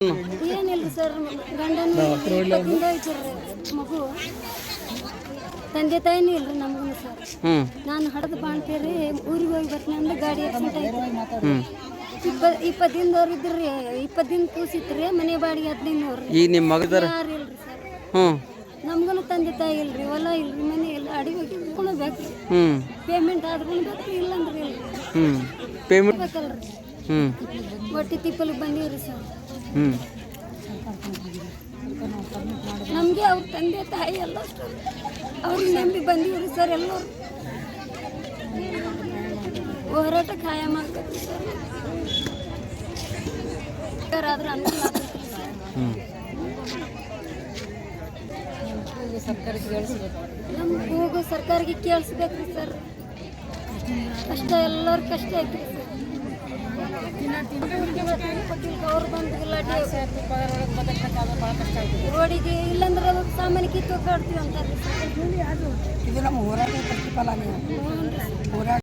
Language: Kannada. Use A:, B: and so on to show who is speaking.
A: ಏನಿಲ್ಲ ಸರ್, ಗಂಡನ ಮಗು ತಂದೆ ತಾಯಿನೂ ಇಲ್ರಿ ನಮಗೂ ಸರ್. ನಾನು ಹಡದು ಬಾಣ್ತೀರಿ ಊರಿಗೆ ಹೋಗಿ ಬರ್ತೀನಿ ಅಂದ್ರೆ ಗಾಡಿ ಆಕ್ಸಿಡೆಂಟ್ ಆಯ್ತು. 20 ದಿನದವ್ರು ಇದ್ರಿ, 20 ದಿನ ಕೂಸಿತ್ರಿ, ಮನೆ ಬಾಡಿಗೆ 15 ನೋಡ್ರಿ.
B: ಈಗ ನಿಮ್ಮ ಮಗದಾರ
A: ಯಾರು ಇಲ್ರಿ ಸರ್. ನಮ್ಗೂ ತಂದೆ ತಾಯಿ ಇಲ್ರಿ, ಹೊಲ ಇಲ್ರಿ, ಮನೆ ಇಲ್ಲ, ಅಡಿಗೆ ಬೇಕು. ಪೇಮೆಂಟ್ ಆದ್ರೂ ಬೇಕು, ಇಲ್ಲಂದ್ರೆ ಇಲ್ರಿ.
B: ಪೇಮೆಂಟ್
A: ಬೇಕಲ್ರಿ. ಒಟ್ಟಿ ತಿಪ್ಪಲಿಗೆ ಬಂದೀವ್ರಿ ಸರ್. ನಮಗೆ ಅವ್ರ ತಂದೆ ತಾಯಿ ಎಲ್ಲ ಅವ್ರಿಗೆ ನಂಬಿ ಬಂದೀವ್ರಿ ಸರ್. ಎಲ್ಲರೂ ಹೋರಾಟ ಕಾಯಂ ಆಗ್ತದೆ ಸರ್. ಆದ್ರೆ ಅನುಕೂಲ ಆಗ್ತದೆ ಸರ್. ನಮ್ಮ ಕೂಗು ಸರ್ಕಾರಕ್ಕೆ ಕೇಳಿಸ್ಬೇಕ್ರಿ ಸರ್. ಕಷ್ಟ ಎಲ್ಲರ ಕಷ್ಟ ಐತ್ರಿ ಸರ್. ಅವ್ರು ಬಂದು ರೋಡಿಗೆ ಇಲ್ಲಂದ್ರೆ ಸಾಮಾನ್ಯ ಕಿತ್ತು ಕಾಡ್ತೀವಿ ಅಂತಾರೆ.
C: ಇದು ನಮ್ಮ ಹೋರಾಟ ಪ್ರತಿಫಲ. ಹೋರಾಟ